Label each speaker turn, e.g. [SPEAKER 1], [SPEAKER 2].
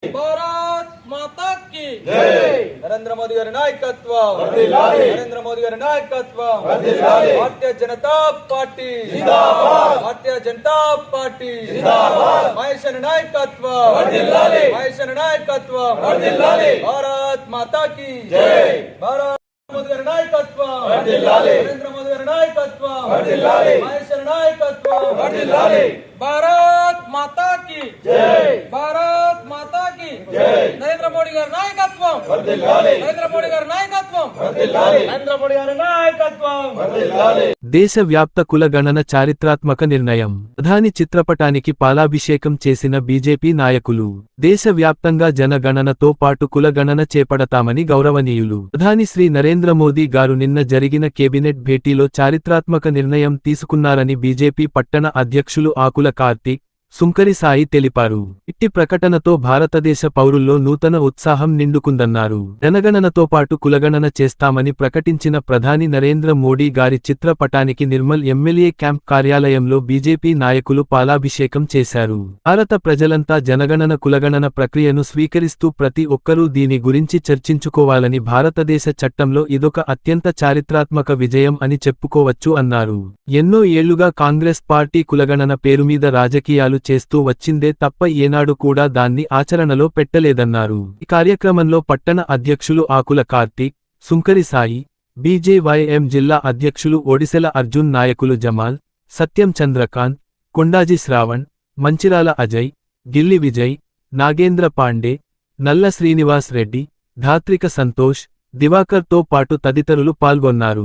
[SPEAKER 1] భారత్ మాతా key
[SPEAKER 2] జై.
[SPEAKER 1] నరేంద్ర మోదీ గారి నాయకత్వం
[SPEAKER 2] వర్ధిల్లాలి.
[SPEAKER 1] నరేంద్ర మోదీ గారి నాయకత్వం
[SPEAKER 2] వర్ధిల్లాలి.
[SPEAKER 1] భారతీయ జనతా పార్టీ
[SPEAKER 2] జిందాబాద్.
[SPEAKER 1] భారతీయ జనతా పార్టీ
[SPEAKER 2] జిందాబాద్.
[SPEAKER 1] మహేశ్వరి నాయకత్వం
[SPEAKER 2] వర్ధిల్లాలి.
[SPEAKER 1] మహేశ్వరి నాయకత్వం
[SPEAKER 2] వర్ధిల్లాలి.
[SPEAKER 1] భారత్ మాతా కీ
[SPEAKER 2] జై.
[SPEAKER 1] భారత్ మోదీ గారి నాయకత్వం
[SPEAKER 2] వర్ధిల్లాలి.
[SPEAKER 1] నరేంద్ర మోదీ గారి నాయకత్వం
[SPEAKER 2] వర్ధిల్లాలి.
[SPEAKER 1] మహేశ్వరి నాయకత్వం
[SPEAKER 2] వర్ధిల్లాలి.
[SPEAKER 1] భారత్ మాతా కీ
[SPEAKER 2] జై.
[SPEAKER 1] భారత్ మాతా కీ
[SPEAKER 2] జై.
[SPEAKER 1] నరేంద్ర మోడీ గారి నాయకత్వం
[SPEAKER 2] వర్ధిల్లాలి.
[SPEAKER 1] నరేంద్ర మోడీ గారి నాయకత్వం
[SPEAKER 2] వర్ధిల్లాలి.
[SPEAKER 1] నరేంద్ర మోడీ గారి నాయకత్వం
[SPEAKER 2] వర్ధిల్లాలి.
[SPEAKER 3] దేశవ్యాప్త కుల గణన చారిత్రాత్మక నిర్ణయం. ప్రధాని చిత్రపటానికి పాలాభిషేకం చేసిన బీజేపీ నాయకులు. దేశవ్యాప్తంగా జనగణనతో పాటు కుల గణన చేపడతామని గౌరవనీయులు ప్రధాని శ్రీ నరేంద్ర మోదీ గారు నిన్న జరిగిన కేబినెట్ భేటీలో చారిత్రాత్మక నిర్ణయం తీసుకున్నారని బీజేపీ పట్టణ అధ్యక్షులు ఆకుల కార్తీక్, సుంకరి సాయి తెలిపారు. ఇట్టి ప్రకటనతో భారతదేశ పౌరుల్లో నూతన ఉత్సాహం నిండుకుందన్నారు. జనగణనతో పాటు కులగణన చేస్తామని ప్రకటించిన ప్రధాని నరేంద్ర మోడీ గారి చిత్రపటానికి నిర్మల్ ఎమ్మెల్యే క్యాంప్ కార్యాలయంలో బీజేపీ నాయకులు పాలాభిషేకం చేశారు. భారత ప్రజలంతా జనగణన కులగణన ప్రక్రియను స్వీకరిస్తూ ప్రతి ఒక్కరూ దీని గురించి చర్చించుకోవాలని, భారతదేశ చట్టంలో ఇదొక అత్యంత చారిత్రాత్మక విజయం అని చెప్పుకోవచ్చు అన్నారు. ఎన్నో ఏళ్లుగా కాంగ్రెస్ పార్టీ కులగణన పేరుమీద రాజకీయాలు చేస్తూ వచ్చిందే తప్ప ఏనాడు కూడా దాన్ని ఆచరణలో పెట్టలేదన్నారు. ఈ కార్యక్రమంలో పట్టణ అధ్యక్షులు ఆకుల కార్తీక్, సుంకరి సాయి, బీజేవైఎం జిల్లా అధ్యక్షులు ఒడిశెల అర్జున్, నాయకులు జమాల్, సత్యం చంద్రకాంత్, కొండాజీ శ్రావణ్, మంచిరాల అజయ్, గిల్లి విజయ్, నాగేంద్ర పాండే, నల్ల శ్రీనివాస్ రెడ్డి, ధాత్రిక సంతోష్, దివాకర్ తో పాటు తదితరులు పాల్గొన్నారు.